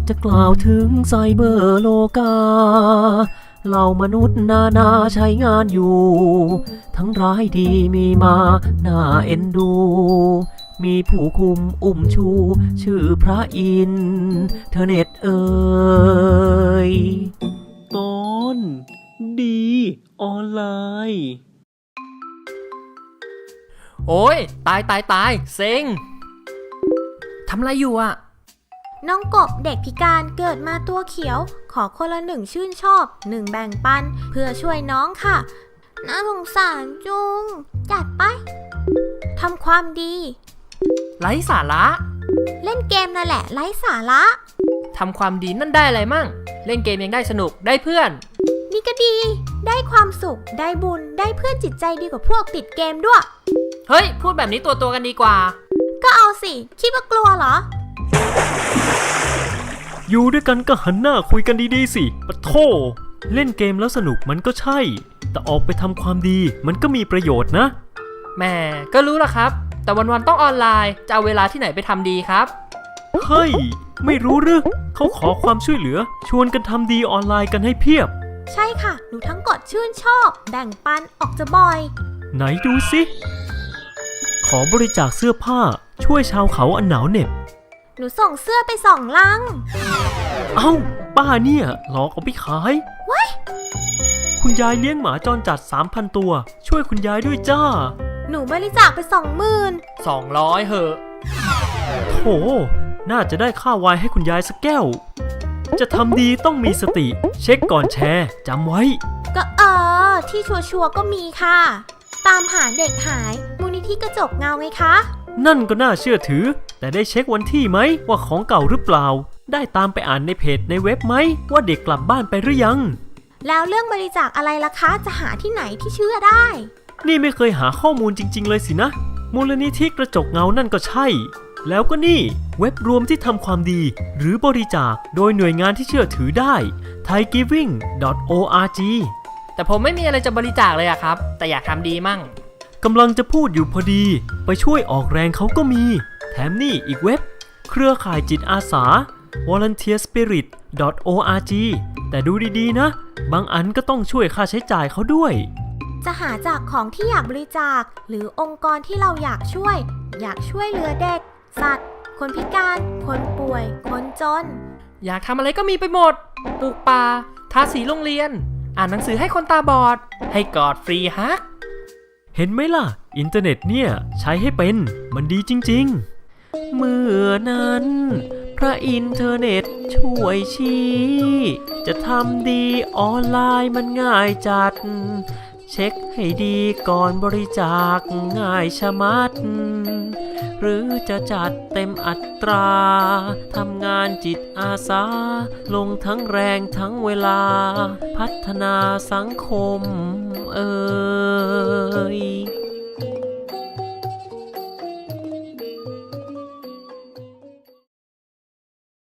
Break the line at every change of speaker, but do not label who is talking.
จะกล่าวถึงไซเบอร์โลกาเหล่ามนุษย์นาใช้งานอยู่ทั้งร้ายดีมีมาน่าเอ็นดูมีผู้คุมอุ้มชูชื่อพระอินเทอร์เน็ต
ตอนดีออนไลน์
โอ้ยตายเซ็งทำอะไรอยู่อะ
น้องกบเด็กพิการเกิดมาตัวเขียวขอคนละ1ชื่นชอบ1แบ่งปันเพื่อช่วยน้องค่ะน่าสงสารจุงจัดไปทำความดี
ไร้สาระ
เล่นเกมนั่นแหละไร้สาระ
ทำความดีนั่นได้อะไรมั่งเล่นเกมยังได้สนุกได้เพื่อน
นี่ก็ดีได้ความสุขได้บุญได้เพื่อนจิตใจดีกว่าพวกติดเกมด้วย
เฮ้ยพูดแบบนี้ตัวกันดีกว่า
ก็เอาสิคิดว่ากลัวเหรอ
อยู่ด้วยกันก็หันหน้าคุยกันดีๆสิปะโถเล่นเกมแล้วสนุกมันก็ใช่แต่ออกไปทำความดีมันก็มีประโยชน์นะ
แหมก็รู้ละครับแต่วันๆต้องออนไลน์จะเอาเวลาที่ไหนไปทำดีครับ
เฮ้ยไม่รู้หรือเขาขอความช่วยเหลือชวนกันทำดีออนไลน์กันให้เพียบ
ใช่ค่ะหนูทั้งกดชื่นชอบแบ่งปันออกจะบ่อย
ไหนดูสิขอบริจาคเสื้อผ้าช่วยชาวเขาอันหนาวเหน็บ
หนูส่งเสื้อไป2 ลัง
เอ้าป้าเนี่ยหลอกเอาไปขาย
ว้าย
คุณยายเลี้ยงหมาจรจัด 3,000 ตัวช่วยคุณยายด้วยจ้า
หนูบริจาคไป20,000
200เหอะ
โถน่าจะได้ค่าไวน์ให้คุณยายสักแก้วจะทำดีต้องมีสติเช็คก่อนแชร์จำไว้
ก็ที่ชัวร์ก็มีค่ะตามหาเด็กหายมูลนิธิกระจกเงาไงคะ
นั่นก็น่าเชื่อถือแต่ได้เช็ควันที่ไหมว่าของเก่าหรือเปล่าได้ตามไปอ่านในเพจในเว็บไหมว่าเด็กกลับบ้านไปหรือยัง
แล้วเรื่องบริจาคอะไรล่ะคะจะหาที่ไหนที่เชื่อได้
นี่ไม่เคยหาข้อมูลจริงๆเลยสินะมูลนิธิกระจกเงานั่นก็ใช่แล้วก็นี่เว็บรวมที่ทำความดีหรือบริจาคโดยหน่วยงานที่เชื่อถือได้ thaigiving.org
แต่ผมไม่มีอะไรจะบริจาคเลยอะครับแต่อยากทำดีมั่ง
กำลังจะพูดอยู่พอดีไปช่วยออกแรงเขาก็มีแถมนี่อีกเว็บเครือข่ายจิตอาสา volunteerspirit.org แต่ดูดีๆนะบางอันก็ต้องช่วยค่าใช้จ่ายเขาด้วย
จะหาจากของที่อยากบริจาคหรือองค์กรที่เราอยากช่วยเหลือเด็กสัตว์คนพิการคนป่วยคนจน
อยากทำอะไรก็มีไปหมดปลูกป่าทาสีโรงเรียนอ่านหนังสือให้คนตาบอดให้กอดฟรีฮัก
เห็นไหมล่ะอินเทอร์เน็ตเนี่ยใช้ให้เป็นมันดีจริงๆเมื่อนั้นพระอินเทอร์เน็ตช่วยชี้จะทำดีออนไลน์มันง่ายจัดเช็คให้ดีก่อนบริจาคง่ายชะมัดหรือจะจัดเต็มอัตราทำงานจิตอาสาลงทั้งแรงทั้งเวลาพัฒนาสังคม